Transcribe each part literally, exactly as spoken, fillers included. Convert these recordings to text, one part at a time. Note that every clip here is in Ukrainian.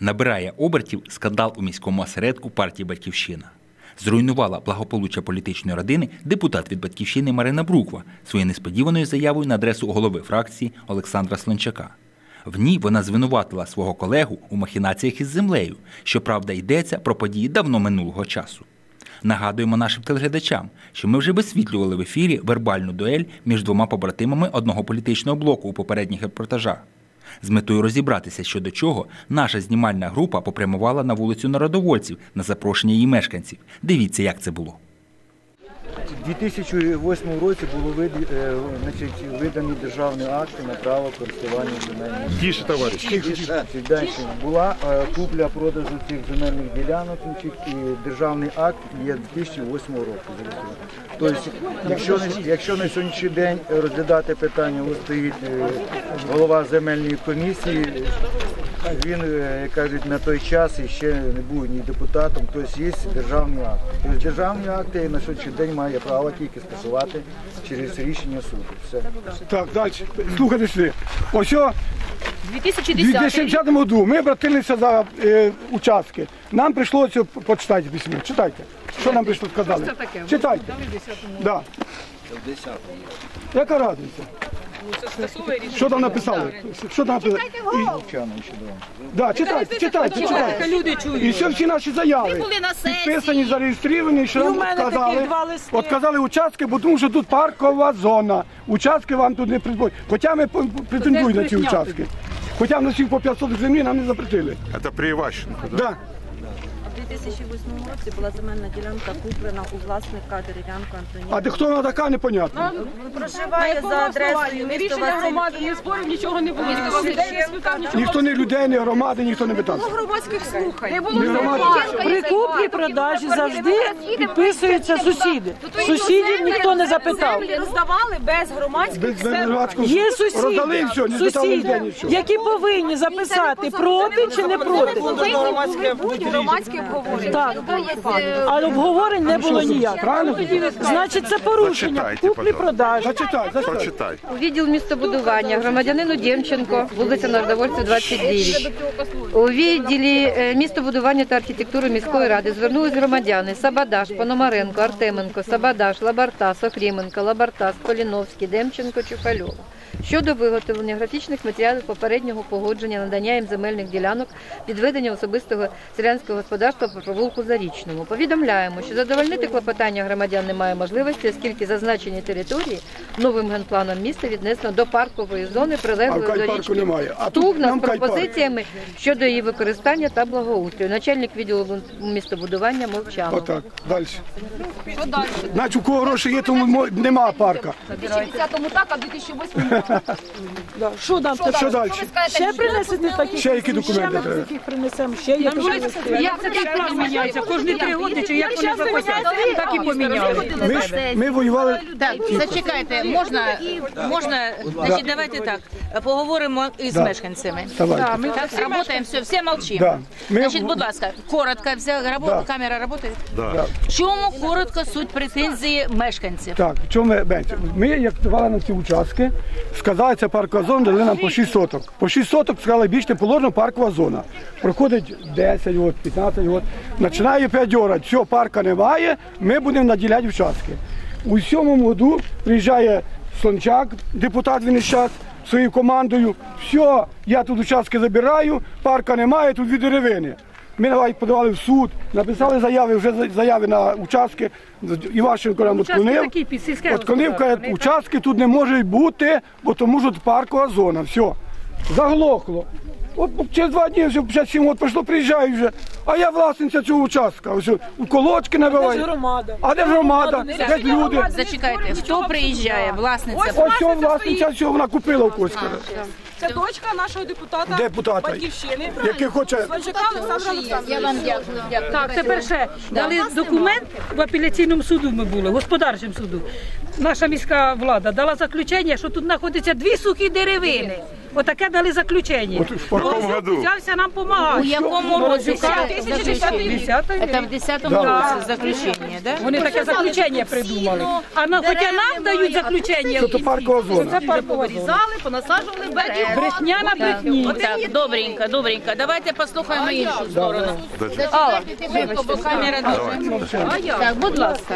Набирає обертів скандал у міському осередку партії «Батьківщина». Зруйнувала благополуччя політичної родини депутат від «Батьківщини» Марина Бруква своєю несподіваною заявою на адресу голови фракції Олександра Слончака. В ній вона звинуватила свого колегу у махінаціях із землею, щоправда йдеться про події давно минулого часу. Нагадуємо нашим телеглядачам, що ми вже висвітлювали в ефірі вербальну дуель між двома побратимами одного політичного блоку у попередніх репортажах. З метою розібратися, що до чого, наша знімальна група попрямувала на вулицю Народовольців на запрошення її мешканців. Дивіться, як це було. У дві тисячі восьмому році було видані державні акти на право користування земельними. Тише, товариш. Далі була купля продажу цих земельних ділянок і державний акт є дві тисячі восьмого року. Тобто, якщо, якщо на сьогоднішній день розглядати питання, ось стоїть голова земельної комісії, він, як кажуть, на той час ще не був ні депутатом, тобто є державні акти. Тобто державні акти на сьогоднішній день має право тільки скасувати через рішення суду. Все. Так, далі. Слухайте сюди. Ось о, дві тисячі в дві тисячі десятому році ми обратилися за е, участки. Нам прийшлося, почитайте письмо, читайте. Що нам прийшло сказали? Читайте. Да. Яка разниця? Що там написали? Що там написали? Да, читайте, читайте, читайте. Люди чують. І все всі наші заяви підписані, зареєстровані, що нам сказали. От казали участки, бо тому що тут паркова зона. Участки вам тут не придбають. Хоча ми претендуємо на ці участки. Хоча в нас їх по п'ятсот землі нам не запретили. Це при Іващенку, так? Да. У дві тисячі восьмому році була земельна ділянка куплена у власника Дерев'янко Антоніна. А де хто вона така, непонятно. Проживає за адресою місто Рішення громади, не спорів, нічого не було. Ніхто не людей, не громади, ніхто не питав. Громадських слухань. Не Не було громади. При куплі-продажі завжди підписуються сусіди. Сусідів ніхто не запитав. Землі роздавали без громадських Без слухань. громадського Є роздали і сусіди, все, не запитали ніде сусіди, нічого. які повинні записати проти чи не проти. Повинні бути громадські обговорення. Так, але обговорень не було ніяк. Правильно? Значить, це порушення Зачитайте, куплі-продажі. Зачитай, зачитай. Прочитай. У відділ містобудування громадянину Демченко, вулиця Народовольців, двадцять дев'ять. У відділі е, містобудування та архітектури міської ради звернулись громадяни Сабадаш, Пономаренко, Артеменко, Сабадаш, Лабартас, Охріменко, Лабартас, Поліновський, Демченко, Чухальов щодо виготовлення графічних матеріалів попереднього погодження надання їм земельних ділянок відведення особистого селянського господарства по провулку Зарічному. Повідомляємо, що задовольнити клопотання громадян немає можливості, оскільки зазначені території новим генпланом міста віднесено до паркової зони, прилеглої А в до Кайпарку річки немає. А тут Стугна з нам Кайпарк. пропозиціями щодо її використання та благоустрою. Начальник відділу містобудування Мовчанов. Отак, далі. Значить, у кого гроші є, тому мо- нема парка. У дві тисячі десятому так, а в дві тисячі восьмому Що нам Що далі? ще принесете такі? Ще які документи Ще ми треба? таких принесемо, ще є такі. Як це так план міняється? Кожні три роки, чи як вони захотять, так і поміняли. Ми, ж- ми воювали. Так, зачекайте, можна, можна, значить, давайте так, поговоримо із Да. мешканцями. Давайте. Так, работаем, все, все молчим. Да. Ми- Значить, будь ласка, коротко, вся рабо- Да. камера работает? Да. В чому коротко суть претензії мешканців? Так, в чому ми, Бенці? Ми, як давали нам ці участки, сказали, це паркова зона, дали нам по шість соток. По шість соток сказали, більше не положена паркова зона. Проходить десять років, п'ятнадцять років, починає п'ять орати, все, парка немає, ми будемо наділяти участки. У сьомому году приїжджає Слончак, депутат він із час, своєю командою, все, я тут участки забираю, парка немає, тут дві деревини. Ми давай подавали в суд, написали заяви, вже заяви на участки, Іващенко нам відклонив. Відклонив, каже, участки тут не можуть бути, бо тому що паркова зона, все, заглохло. От через два дні, вже п'ять сім років пройшло, приїжджаю вже, а я власниця цього участка, ось у колочки набиваю. А де ж громада? Де ж люди? Зачекайте, хто приїжджає, власниця? Ось цього власниця, все, вона купила у когось. Це дочка нашого депутата Депутата, Батьківщини. який хоче. Слончака Олександра Олександровича. Я вам дякую. Так, тепер ще дали документ в апеляційному суду ми були, господарчому суду. Наша міська влада дала заключення, що тут знаходяться дві сухі деревини. отаке дали заключення. От в якому году? Взявся нам У допомагати. якому році? десятого Це в десятому році заключення, да? Вони таке заключення придумали. А на, хоча нам дають заключення, Що то паркова зона. це паркова зона. понасаджували берег. Брехня на брехні. Так, добренько, добренько. Давайте послухаємо іншу сторону. Алла, швидко, бо камера дуже. Так, будь ласка.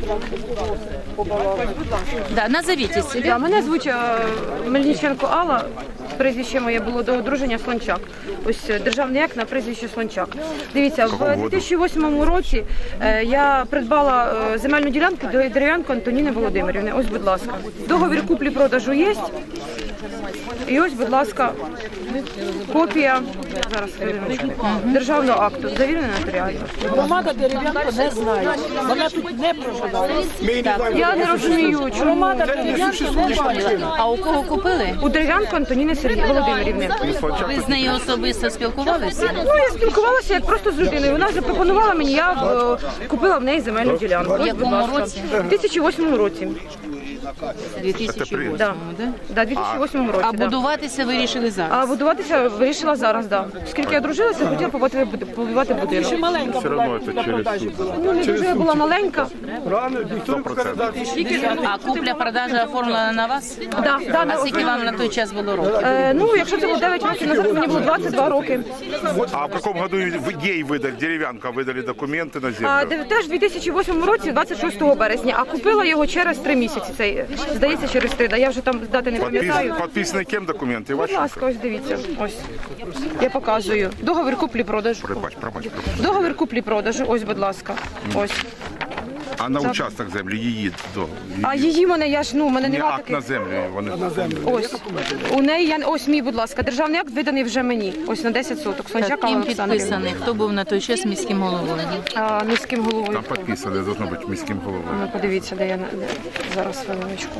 Да, назовіть себе. Да, мене звуть е, Мельниченко Алла, прізвище моє було до одруження Слончак. Ось е, державний акт на прізвище Слончак. Дивіться, в дві тисячі восьмому році е, я придбала е, земельну ділянку до Дерев'янко Антоніни Володимирівни. Ось, будь ласка. Договір куплі-продажу є. І ось, будь ласка, копія зараз хвилиночку, державного акту, завірена нотаріально. Громада Дерев'янко не знає. Вона тут не проживає. Я не розумію, чому Громада Дерев'янко не знає. А у кого купили? у Дерев'янко Антоніни Сергій Володимирівни. Ви з нею особисто спілкувалися? Ну, я спілкувалася як просто з людиною. Вона запропонувала мені, я е, купила в неї земельну ділянку. В Ось, якому будь ласка. році? У дві тисячі восьмому році. дві тисячі восьмому, Да. да? Да, дві тисячі восьмому році. А да. будуватися вирішили зараз? А будуватися вирішила зараз, да. Оскільки я дружилася, хотіла побудувати, побудувати будинок. Ще маленька була на продажі була. Ну, не дуже я була маленька. Рано ніхто не сказав. А купля-продажа оформлена на вас? Да, да, А скільки вам на той час було років? Е, ну, якщо це було дев'ять років назад, мені було двадцять два роки. А в каком году вы- ей выдали, деревянка выдали документы на А землю? де- теж у дві тисячі восьмому році, двадцять шостого березня, а купила його через три місяці. Цей, здається, через три. Да, я вже там дати не пам'ятаю. Подпис- подписаны кем документы? Будь Ваши? ласка, ось дивіться. Ось. Я показую. Договір куплі-продажу. Пробач, пробач, пробач. Договір куплі-продажу. Ось, будь ласка. Ось. А на участок землі її до А її мене, я ж, ну, мене не немає акт на таких. землю. Вони Ось. У неї, я, ось мій, будь ласка, державний акт виданий вже мені. Ось на десять соток. Сончак Алла Ким Олександрівна. підписаний? Хто був на той час міським головою? А, міським головою. там підписали, должно бути міським головою. Ну, подивіться, де я на- де- зараз хвилиночку.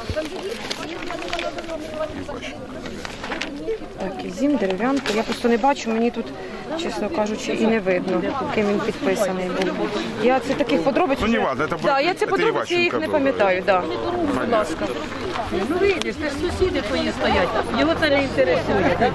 Так, Ізім, Дерев'янко. Я просто не бачу, мені тут, чесно кажучи, і не видно, ким він підписаний був. Я це таких подробиць. Ну, не вже- важно, це да, буде- я ці це подробиці, я їх Іващенко не було. пам'ятаю, да. Будь ласка. Ну видиш, це ж сусіди твої стоять. Його це не інтересує. так?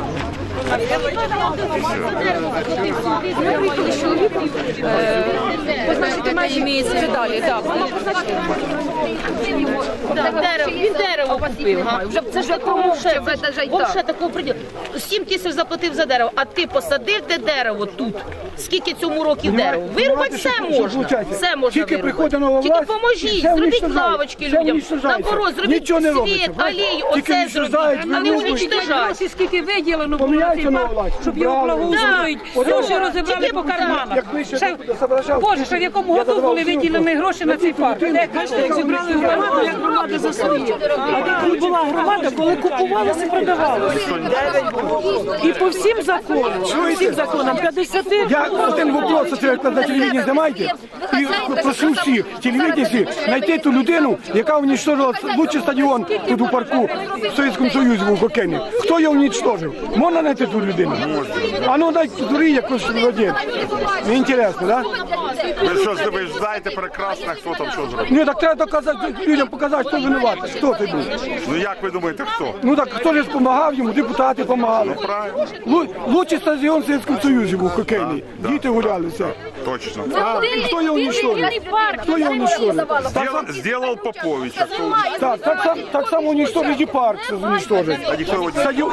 Ми приїхали з чоловіком, е, позначити межі, це далі, так. Вона позначила. Дерево, він дерево купив. га? Вже це ж такого вже, так. вже такого приділу. Сім тисяч заплатив за дерево, а ти посадив те дерево тут. Скільки цьому років дерево? Вирубати все можна. Все можна Тільки приходить нова вирубати. Тільки власть, поможіть, все зробіть уничтожають. лавочки Все людям, уничтожається. наоборот, зробіть Нічого не робиться, світ, бачите? алею, Тільки оце уничтожають, зробіть, а не вирубують. уничтожають. Гроші скільки виділено було на Поміняйте цей нову парк, власть. щоб його Правильно. благоустроїть. Так. Гроші Ото. розібрали Тільки по карманах. Як ми ще Ще- тут соображали. Боже, що в якому Я году давав були всю виділені руку. гроші на цей парк? Де, бачите, як зібрали громаду, як громада за свої. А коли була громада, коли купувалося і продавалося. І по всім законам, по всім законам, п'ятдесят. Я один вопрос, це як на телевізії знімаєте, і прошу всіх, телевізії, знайти ту людину, яка уничтожила лучший стадіон тут у парку в Совєтському Союзі в Хокені. Хто його уничтожив? Можна знайти ту людину? А ну дай дури якось владі. Мені інтересно, так? Ви що, ви ж знаєте прекрасно, хто там що зробив. Ні, так треба доказати, людям показати, хто винуватий, хто це був. Ну як ви думаєте, хто? Ну так хто ж допомагав йому, депутати допомагали. Правильно, Лу- Лучший стадіон в Совєтському Союзі був хокейний. Діти гуляли, все. точно. А хто його уничтожив? Хто його уничтожив? Сделал, сделал Попович. а хто- Так, так, сам, так само уничтожить і парк це уничтожить. А ніхто його не Стадіон.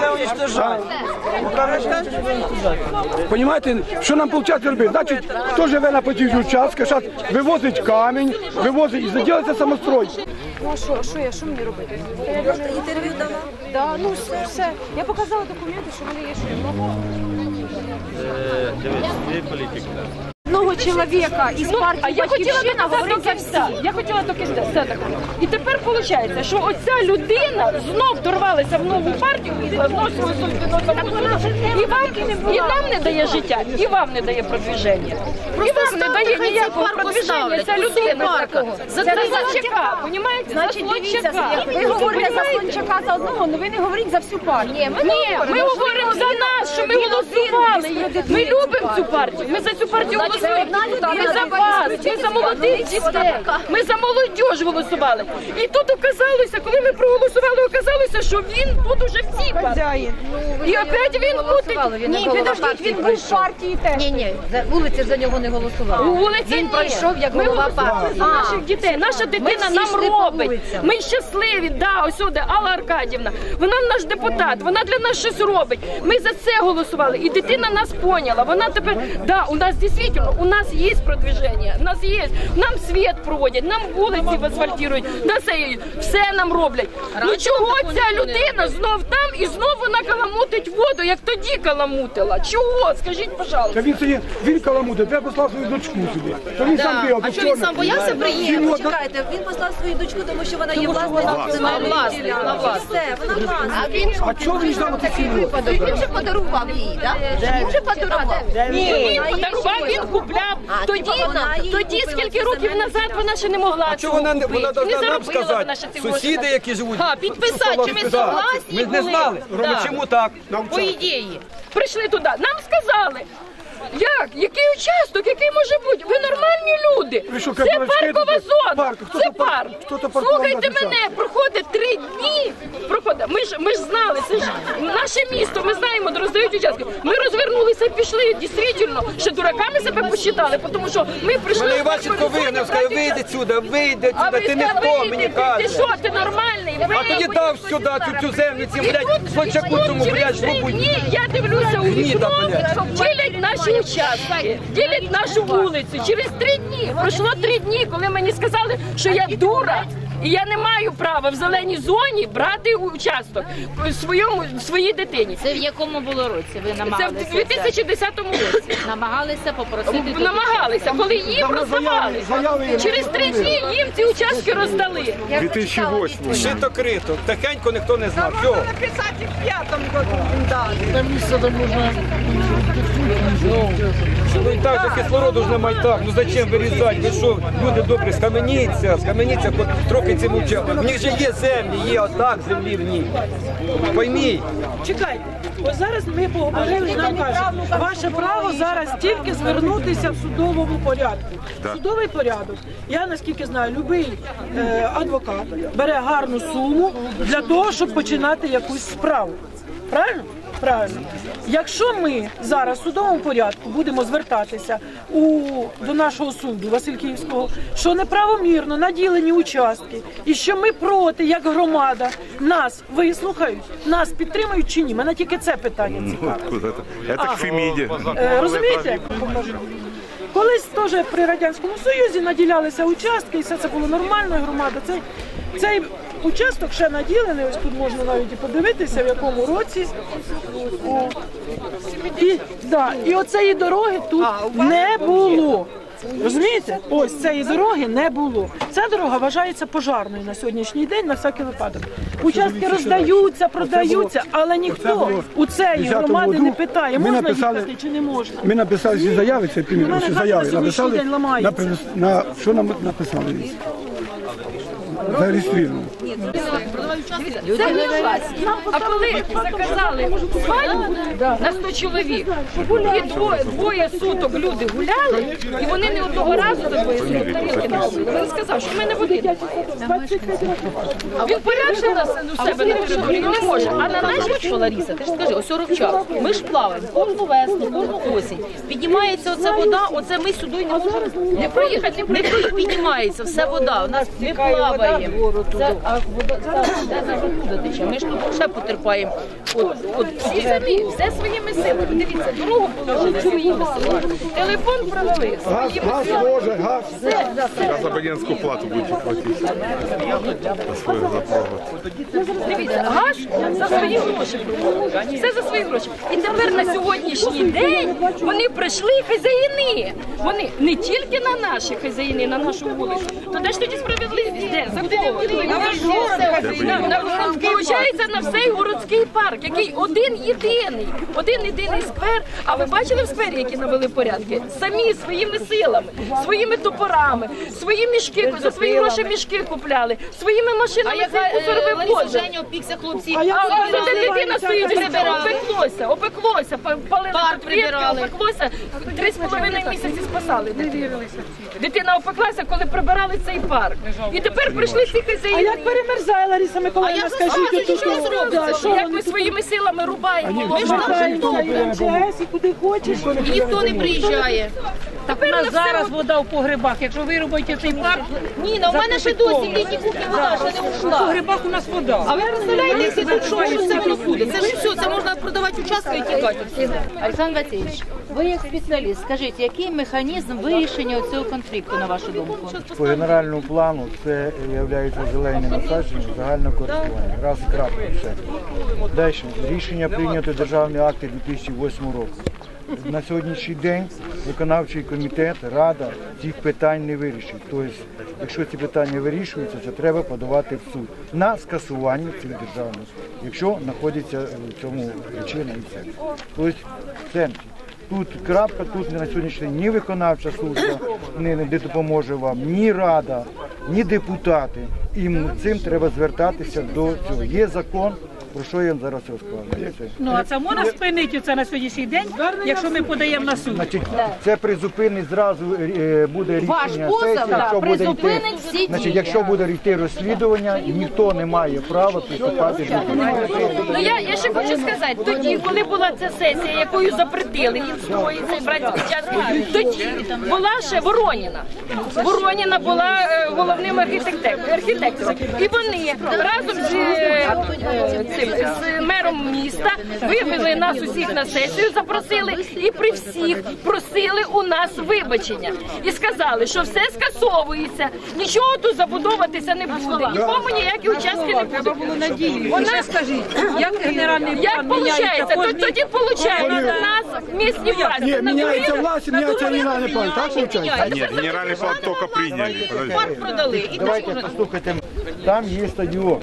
Понимаєте, що нам виходить робити? Значить, хто живе на потязі участка, зараз вивозить камінь, вивозить і заділиться самострой. Ну а що, а що я, що мені робити? Інтерв'ю дала? Да, ну все, все. Я показала документи, що в мене є, що я можу. Одного чоловіка із партії А я хотіла «Батьківщина» доказати говорить за все. всіх. Я хотіла тільки все таке. І тепер виходить, що оця людина знов дорвалася в нову партію і зносила і вам, і нам не дає життя, і вам не дає продвіження. І вам не дає ніякого продвіження. Ця людина такого. Це за Слончака, розумієте? Значить, дивіться, ви говорите за Слончака за одного, але ви не говорите за всю партію. Ні, ми говоримо за нас, що ми голосували. Ми любимо цю партію. Ми за цю партію голосували. ми за вас, ми за молодих дітей, ми за молодіж голосували. І тут оказалося, коли ми проголосували, оказалося, що він тут уже в цій партії. І опять він буде... Ні, підождіть, він був в партії теж. Ні, ні, вулиця за нього не голосувала. Вулиця Він ні. пройшов як ми голова голосували партії. за наших дітей. Наша дитина всі нам йшли по робить. вулицям. Ми щасливі, да, ось сюди, Алла Аркадівна. Вона наш депутат, вона для нас щось робить. Ми за це голосували. І дитина нас поняла. Вона тепер, да, у нас дійсно, у нас є продвиження, у нас є, нам світ проводять, нам вулиці асфальтують, на все, все нам роблять. Ну чого ця людина знов там і знов вона каламутить воду, як тоді каламутила? Чого? Скажіть, пожалуйста. Та він сьогодні, він каламутить, я послав свою дочку сюди. Та він сам бігав, А що він сам боявся приїхати? Почекайте, він послав свою дочку, тому що вона є власником Вона земельної власник, ділянки. вона власник. Все, вона власник. А чого він ждав оці сім років? Він вже подарував їй, так? Він вже подарував. Ні, він подарував, він купляв. Тоді, тоді скільки років назад вона ще не могла. А чого вона не вона не должна нам заробила вона сказати? ще ці гроші. Сусіди, які живуть. А, підписати, чи ми согласні Ми не були? знали. Да. Чому так? По ідеї. Прийшли туди, нам сказали. Як? Який участок? Який може бути? Ви нормальні люди. Ви що, Це кабачки паркова тут? зона. Парк. Хто Це то пар- парк. хто то паркував Слухайте написав? мене, проходить три дні. Проходить. Ми ж, ми ж знали, це ж наше місто, ми знаємо, де роздають участки. Ми розвернулися і пішли. Дійсно, ще дураками себе посчитали, тому що ми прийшли... Мене Іващенко вигнав, сказав, вийди сюди, вийди А сюди, ви ти не сказали, хто, мені ти каже. що, ти нормальний? А тоді дав сюди цю, цю землю, цим, блядь, слончаку цьому, блядь, жлобуть. Ні, я дивлюся у Гніда, вікно, блядь. ділять наші участки, ділять нашу вулицю. Через три дні, пройшло три дні, коли мені сказали, що я дура, і я не маю права в зеленій зоні брати участок своєму, своїй дитині. Це в якому було році? Ви Це намагалися? в дві тисячі десятому році. Намагалися попросити... Намагалися, коли їм роздавали. Через три дні їм ці участки роздали. дві тисячі восьмий. Шито крито, тихенько ніхто не знав. Все. Написати в п'ятому году він дали. Ну і так, же кислороду ж немає так. Ну зачем вирізати? Ви що, люди добрі, схаменіться, схаменіться, хоч трохи цим учав. У них же є землі, є отак землі в них. Пойміть. Чекайте, ось зараз ми поговорили і нам кажуть, ваше право зараз тільки звернутися в судовому порядку. Судовий порядок, я наскільки знаю, будь-який е, адвокат бере гарну суму для того, щоб починати якусь справу. Правильно? Правильно. Якщо ми зараз в судовому порядку будемо звертатися у, до нашого суду Васильківського, що неправомірно наділені участки, і що ми проти, як громада, нас вислухають, нас підтримують чи ні? Мене тільки це питання цікавить. Це к Феміді. Е, розумієте? Колись теж при Радянському Союзі наділялися участки, і все це було нормально, і громада. Цей, цей участок ще наділений, ось тут можна навіть і подивитися, в якому році. О. І, да, і оцеї дороги тут не було. Розумієте? Ось цієї дороги не було. Ця дорога вважається пожарною на сьогоднішній день, на всякий випадок. Участки роздаються, продаються, але ніхто у цієї громади не питає, можна їхати чи не можна. Ми написали ці заяви, це У мене ці хата заяви на сьогоднішній написали, день ламається. на, на, що нам написали? Зареєстровано. Це власні. А коли заказали свадьбу на сто чоловік, і двоє, двоє суток люди гуляли, і вони не одного разу до двоє суток тарілки не робили. Він сказав, що ми не будемо. Він порядше нас у себе на території не може. А на нашій, що, Лариса, ти ж скажи, ось сорок час. Ми ж плаваємо кожну весну, кожну осінь. Піднімається оця вода, оце ми сюди не можемо не проїхати, не проїхати, піднімається, все вода. У нас ми плаваємо. Це, а вода, зараз де зараз вода тече. Ми ж тут ще потерпаємо. От, от, всі самі, все своїми силами. Дивіться, дорогу положили своїми силами. Телефон провели своїми Газ, силами. Боже, газ. Все, все. Зараз абонентську плату будете платити. За свою запровод. Дивіться, газ за свої гроші проводить. Все за свої гроші. І тепер на сьогоднішній день вони прийшли хазяїни. Вони не тільки на наші хазяїни, на нашу вулицю. То де ж тоді справедливість? Де? За Получається на всей городський парк, який один єдиний, один єдиний сквер. А ви бачили в сквері, які навели порядки? Самі своїми силами, своїми топорами, свої мішки, за свої гроші мішки купляли, своїми машинами цей мусор вивозили. Женя опікся хлопці. А де дитина стоїть, опеклося, опеклося, палили підприємки, опеклося, три з половиною місяці спасали дитину. Дитина опеклася, коли прибирали цей парк. І тепер прийшли ці хазяїни. А як перемерзає, Лариса Миколаївна, скажіть, що зробиться? Як ми своїми силами рубаємо? Ми ж вважаємо і ем че ес, і куди хочеш. І ніхто не приїжджає. Тепер У нас зараз вода в погребах. Якщо ви робите цей парк, Ніна, у мене ще досі в літній кухні вода ще не в ушла. погребах у нас вода. А ви представляєте, якщо тут що, що це воно буде? Це ж все, це можна продавати участки і тікати. Олександр Васильович, ви як спеціаліст, скажіть, який механізм вирішення цього конфлікту, на вашу думку? По генеральному плану це є зелені насадження загального користування. Раз і крапка все. Далі. Рішення прийнято державні акти дві тисячі восьмого року. На сьогоднішній день виконавчий комітет, рада цих питань не вирішить. Тобто, якщо ці питання вирішуються, це треба подавати в суд на скасування цих державних, якщо знаходиться в цьому причина і це. Тобто, це тут крапка, тут на сьогоднішній день ні виконавча служба не, не допоможе вам, ні рада, ні депутати. І цим треба звертатися до цього. Є закон, про що я вам зараз розкладаю. Ну, а це можна спинити це на сьогоднішній день, якщо ми подаємо на суд? Значить, це призупинить зразу е, буде Ваш рішення позов, сесії, да, якщо буде йти, призупинить всі значить, дії. якщо буде йти розслідування, ніхто не має права приступати до цього. Ну я, я ще хочу сказати, тоді, коли була ця сесія, якою запретили інстрої, цей братський участок, тоді була ще Вороніна. Вороніна була е, головним архітектором, архітектором. І вони разом з, е, цим, з мером міста вивели нас усіх на сесію, запросили і при всіх просили у нас вибачення. І сказали, що все скасовується, нічого тут забудовуватися не буде, нікому ніякі участки не буде. Вона, скажіть, як генеральний Як план міняється виходить? кожний... Тоді виходить, у нас місні власті. Ні, міняється власть, міняється генеральний план, так виходить? Нет, генеральный план только приняли. Подождите. Парк продали. І Давайте послухайте, там є стадіон.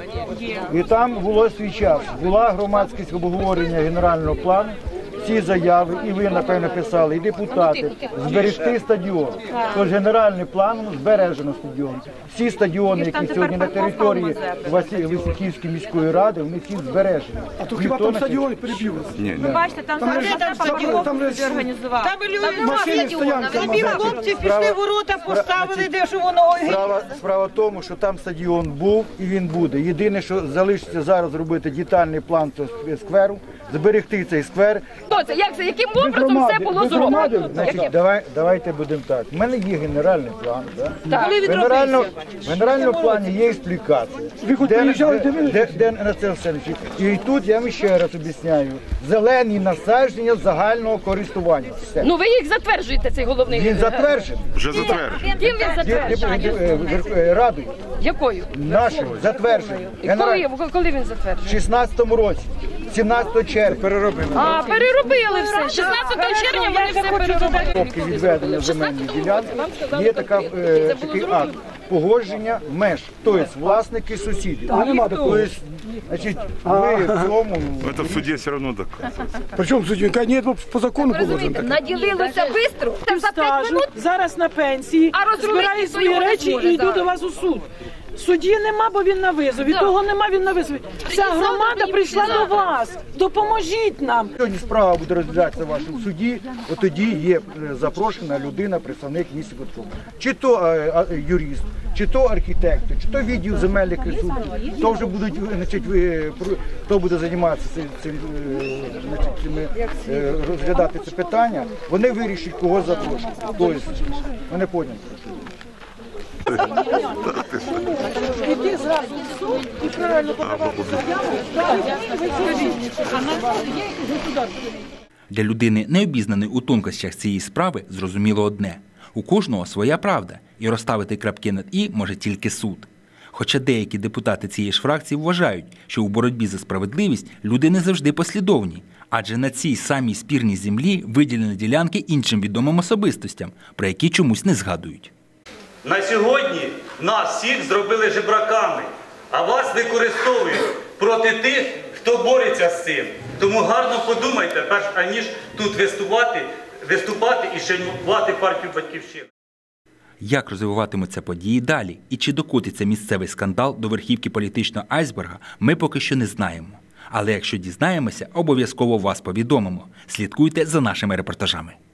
І там було свій час. Була громадськість обговорення генерального плану. Ці заяви, і ви, напевно, писали, і депутати, зберегти стадіон. Тож генеральним планом збережено стадіон. Всі стадіони, які сьогодні на території Васильківської міської ради, вони всі збережені. А то хіба там стадіон перебив? Ні, Ви бачите, там Там же там стадіон, там же організував. Там машини стоянки. Тобі хлопці пішли ворота, поставили, де ж воно. Справа, справа в тому, що там стадіон був і він буде. Єдине, що залишиться зараз робити детальний план цього скверу, зберегти цей сквер. Хто це? Як це? Яким образом все було зроблено? Значить, давай, давайте будемо так. У мене є генеральний план. Да? Так. В генеральному, в генеральному плані є експлікація. Ви хоч Де- приїжджали, де- дивилися? де- де на це все лежить. І тут я вам ще раз об'ясняю. Зелені насадження загального користування. Все. Ну ви їх затверджуєте, цей головний. Він затверджений. вже затверджено. Ким він Ді- затверджує? ді- е, Верх- е, Радою Якою? нашою затверджений. І Генераль- коли, коли він затверджує? В шістнадцятому році, сімнадцятого червня. Переробили. А, переробили все. шістнадцятого червня вони все переробили. Поки відведення земельних ділянок є така, е, такий акт погодження меж, тобто власники сусіди. Тобто, значить, ми в цьому Это в суде все равно доказывается. Причому судді, ні, по закону положено. Розумієте, наділилося швидко, за п'ять Стажу, минут. зараз на пенсії, А розрулити збираю свої свого речі не і зможе йду зараз. до вас у суд. Судді нема, бо він на визові. Того нема, він на визові. Вся завтра громада мені прийшла завтра. до вас. Допоможіть нам. сьогодні справа буде розглядатися в вашому суді, от тоді є е, запрошена людина, представник міста Котково. Чи то е, а, юрист, чи то архітектор, чи то відділ земельних ресурсів. То вже будуть, значить, ви, про- хто буде займатися цим, цим, е, значить, цими, е, розглядати це питання, вони вирішать, кого запрошувати. Тобто, мене поняли. Іди зразу в суд і правильно подавати заяву. Для людини, не обізнаної у тонкощах цієї справи, зрозуміло одне – у кожного своя правда, і розставити крапки над «і» може тільки суд. Хоча деякі депутати цієї ж фракції вважають, що у боротьбі за справедливість люди не завжди послідовні, адже на цій самій спірній землі виділені ділянки іншим відомим особистостям, про які чомусь не згадують. На сьогодні нас всіх зробили жебраками, а вас використовують проти тих, хто бореться з цим. Тому гарно подумайте, перш аніж тут виступати, виступати і шанувати партію «Батьківщина». Як розвиватимуться події далі і чи докотиться місцевий скандал до верхівки політичного айсберга, ми поки що не знаємо. Але якщо дізнаємося, обов'язково вас повідомимо. Слідкуйте за нашими репортажами.